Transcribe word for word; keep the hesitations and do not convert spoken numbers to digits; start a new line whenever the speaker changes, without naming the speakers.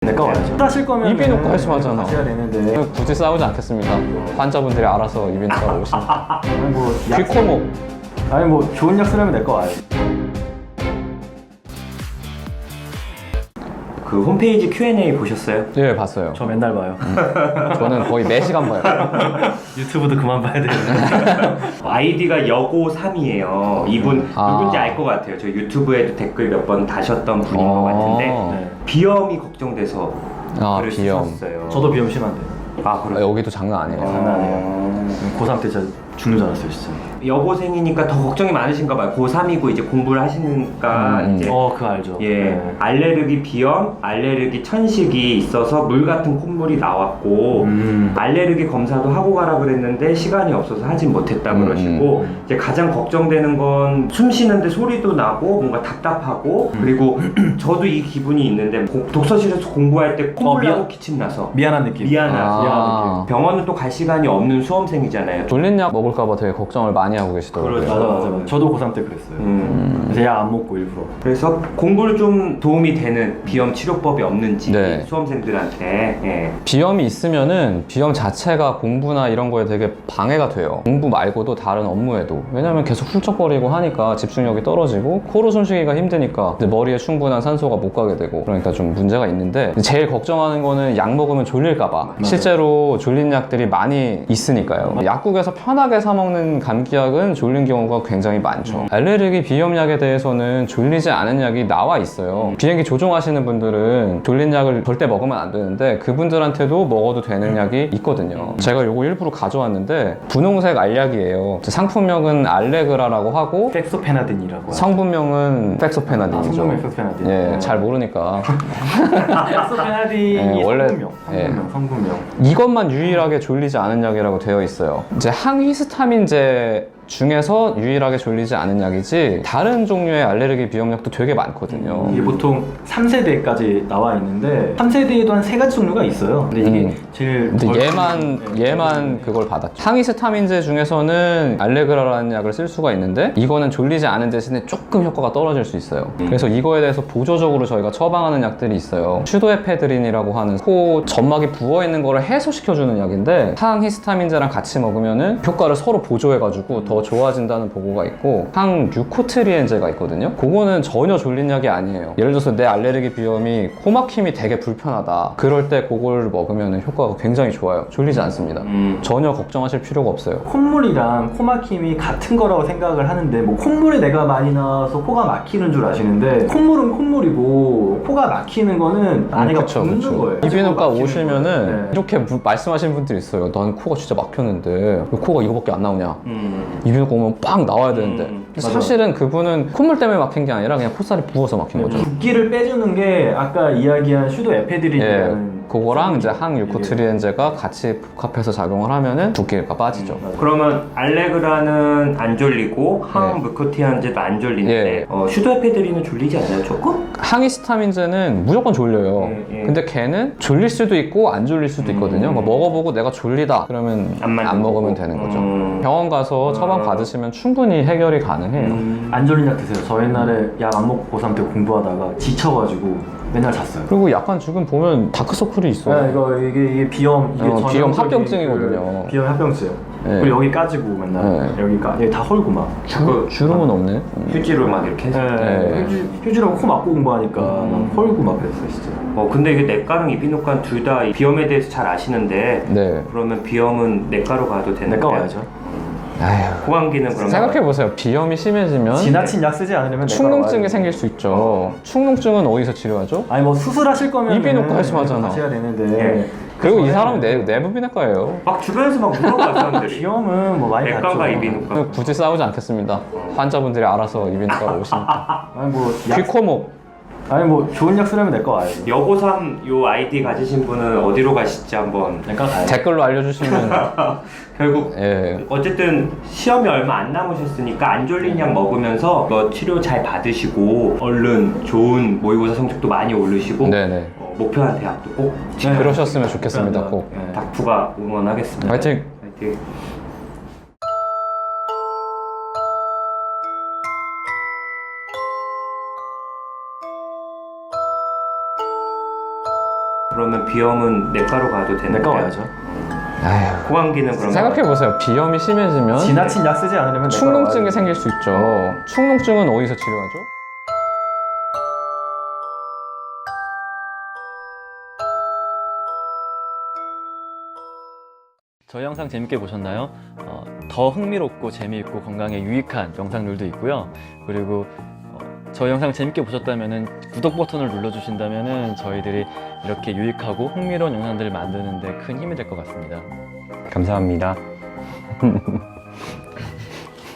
내가 와야죠. 하실 거면
이비인후과 말씀하잖아.
하셔야 되는데
굳이 싸우지 않겠습니다. 환자분들이 알아서 이비인후과 오시면.
아니 뭐 약,
귀코목.
아니 뭐 좋은 약 쓰려면 내거 와야지.
그 홈페이지 큐 앤 에이 보셨어요?
예, 봤어요.
저 맨날 봐요.
저는 거의 매 시간 봐요.
유튜브도 그만 봐야 돼요.
아이디가 여고삼이에요. 이분
아.
누군지 알 것 같아요. 저 유튜브에도 댓글 몇 번 다셨던 분인
어.
것 같은데
네.
비염이 걱정돼서
아,
글을
비염.
쓰셨어요.
저도 비염 심한데.
아
아,
그래요?
여기도 장난 아니에요.
장난 아니에요. 고삼 때 진짜 죽는 줄 알았어요, 진짜.
여고생이니까 더 걱정이 많으신가 봐요. 고삼이고 이제 공부를 하시니까
음,
이제
어, 그거 알죠.
예,
네.
알레르기 비염, 알레르기 천식이 있어서 물 같은 콧물이 나왔고
음.
알레르기 검사도 하고 가라 그랬는데 시간이 없어서 하진 못했다
음,
그러시고
음.
이제 가장 걱정되는 건 숨 쉬는데 소리도 나고 뭔가 답답하고
음.
그리고 저도 이 기분이 있는데 고- 독서실에서 공부할 때 콧물
어, 미안-
나고 기침 나서
미안한 느낌.
미안하고
아.
병원은 또 갈 시간이 없는 수험생이잖아요.
졸린 약 먹을까봐 되게 걱정을 많이 하고 계시더라고요.
그렇죠.
맞아, 맞아, 맞아. 저도 고삼 때 그랬어요.
음.
그래서 약 안 먹고 일부러.
그래서 공부를 좀 도움이 되는 비염 치료법이 없는지
네.
수험생들한테 예.
비염이 있으면은 비염 자체가 공부나 이런 거에 되게 방해가 돼요. 공부 말고도 다른 업무에도. 왜냐면 계속 훌쩍거리고 하니까 집중력이 떨어지고 코로 숨쉬기가 힘드니까 이제 머리에 충분한 산소가 못 가게 되고 그러니까 좀 문제가 있는데 제일 걱정하는 거는 약 먹으면 졸릴까봐. 실제로 졸린 약들이 많이 있으니까요. 약국에서 편하게 사 먹는 감기약은 졸린 경우가 굉장히 많죠. 알레르기 비염약에 대해서는 졸리지 않은 약이 나와 있어요. 비행기 조종하시는 분들은 졸린 약을 절대 먹으면 안 되는데 그분들한테도 먹어도 되는 약이 있거든요. 제가 요거 일부러 가져왔는데 분홍색 알약이에요. 상품명은 알레그라라고 하고
팩소페나딘이라고 하죠.
성분명은
아,
팩소페나딘이죠.
성분명 팩소페나딘.
예,
어.
잘 모르니까
팩소페나딘이
예, 원래-
성분명, 성분명,
예.
성분명.
이것만 유일하게 졸리지 않은 약이라고 되어 있어요. 이제 항히스타민제 중에서 유일하게 졸리지 않은 약이지 다른 종류의 알레르기 비염약도 되게 많거든요.
이게 보통 삼 세대까지 나와 있는데 삼 세대에도 한 세 가지 종류가 있어요. 근데 이게
음.
제일
근데
덜-
얘만
네,
얘만 그걸 받았죠. 항히스타민제 중에서는 알레그라라는 약을 쓸 수가 있는데 이거는 졸리지 않은 대신에 조금 효과가 떨어질 수 있어요. 그래서 이거에 대해서 보조적으로 저희가 처방하는 약들이 있어요. 슈도에페드린이라고 하는 코 점막이 부어 있는 거를 해소시켜주는 약인데 항히스타민제랑 같이 먹으면은 효과를 서로 보조해가지고 더 좋아진다는 보고가 있고 항류코트리엔제가 있거든요. 그거는 전혀 졸린 약이 아니에요. 예를 들어서 내 알레르기 비염이 코막힘이 되게 불편하다. 그럴 때 그걸 먹으면 효과가 굉장히 좋아요. 졸리지 않습니다.
음.
전혀 걱정하실 필요가 없어요.
콧물이랑 코막힘이 같은 거라고 생각을 하는데 뭐 콧물에 내가 많이 나와서 코가 막히는 줄 아시는데 콧물은 콧물이고 코가 막히는 거는 안에가
그쵸,
붓는
그쵸.
거예요.
이비인후과
막히는
오시면은
거예요. 네.
이렇게 무- 말씀하시는 분들이 있어요. 난 코가 진짜 막혔는데 왜 코가 이거밖에 안 나오냐.
음.
이비인후과 오면 빵 나와야 되는데
음,
근데
맞아.
사실은 그분은 콧물 때문에 막힌 게 아니라 그냥 콧살이 부어서 막힌 거죠.
붓기를 빼주는 게 아까 이야기한 슈도에페드린이라는
그거랑 이제
성분이
항유코트리엔제가 같이 복합해서 작용을 하면은 붓기가 빠지죠.
맞아요.
그러면 알레그라는 안 졸리고 항무코티안제도 안 졸리는데
예.
어, 슈도에페드린은 졸리지 않나요 조금?
항히스타민제는 무조건 졸려요.
예, 예.
근데 걔는 졸릴 수도 있고 안 졸릴 수도 있거든요.
음.
그러니까 먹어보고 내가 졸리다 그러면
안
안,
맞는
먹으면
거고.
되는 거죠.
음.
병원 가서 처방
음.
받으시면 충분히 해결이 가능해요.
음.
안 졸린 약 드세요. 저 옛날에 약 안 먹고 고삼 때 공부하다가 지쳐가지고 맨날 잤어요.
그리고 약간 지금 보면 다크서클이 있어요.
네, 이거 이게, 이게 비염 이게
어,
전형적인
비염 합병증이거든요.
그 비염 합병증.
네.
그리고 여기 까지고 맨날
네.
여기가 여기 다 헐고 막.
자꾸
주름은 없네. 음.
휴지로 막 이렇게 해서
네.
네.
휴지, 휴지랑 코 막고 공부하니까 막 헐고 막 그랬어요 진짜.
어 근데 이게 내과랑 이비인후과 둘 다 비염에 대해서 잘 아시는데
네.
그러면 비염은 내과로 가도 되는
내과
거예요?
와야죠.
아휴.
고감기는 그러면
생각해보세요. 비염이 심해지면
지나친 약 쓰지 않으려면 내과
축농증이
와야죠.
생길 수 있죠. 축농증은 어디서 치료하죠?
아니 뭐 수술하실 거면
이비인후과 말씀하잖아.
하셔야 되는데.
예.
그리고 이 사람은 내, 내부비내과예요.
막 주변에서 막 물어봐 사람들이
비염은 뭐 많이
내과가
봤죠.
이비인후과
굳이 싸우지 않겠습니다. 환자분들이 알아서 이비인후과로 오시니까.
아니 뭐 약,
귀코목.
아니 뭐 좋은 약 쓰려면 내과 와야지.
여고삼 요 아이디 가지신 분은 어디로 가실지 한번
내과 가야지.
댓글로 알려주시면
결국
예.
어쨌든 시험이 얼마 안 남으셨으니까 안 졸린 약 먹으면서 뭐 치료 잘 받으시고 얼른 좋은 모의고사 성적도 많이 오르시고
네네.
어, 목표한 대학도 꼭
네.
그러셨으면 좋겠습니다. 꼭.
네.
닥프가 응원하겠습니다.
화이팅!
화이팅. 그러면 비염은 내과로 가도 되는데
내과 와야죠.
아휴,
호감기는 그러면
생각해보세요. 비염이 심해지면
지나친 약 쓰지 않으려면 내과로
축농증이
와야죠.
생길 수 있죠. 축농증은 어디서 치료하죠?
저희 영상 재밌게 보셨나요? 어, 더 흥미롭고 재미있고 건강에 유익한 영상들도 있고요. 그리고 어, 저희 영상 재밌게 보셨다면 구독 버튼을 눌러주신다면 저희들이 이렇게 유익하고 흥미로운 영상들을 만드는 데 큰 힘이 될 것 같습니다.
감사합니다.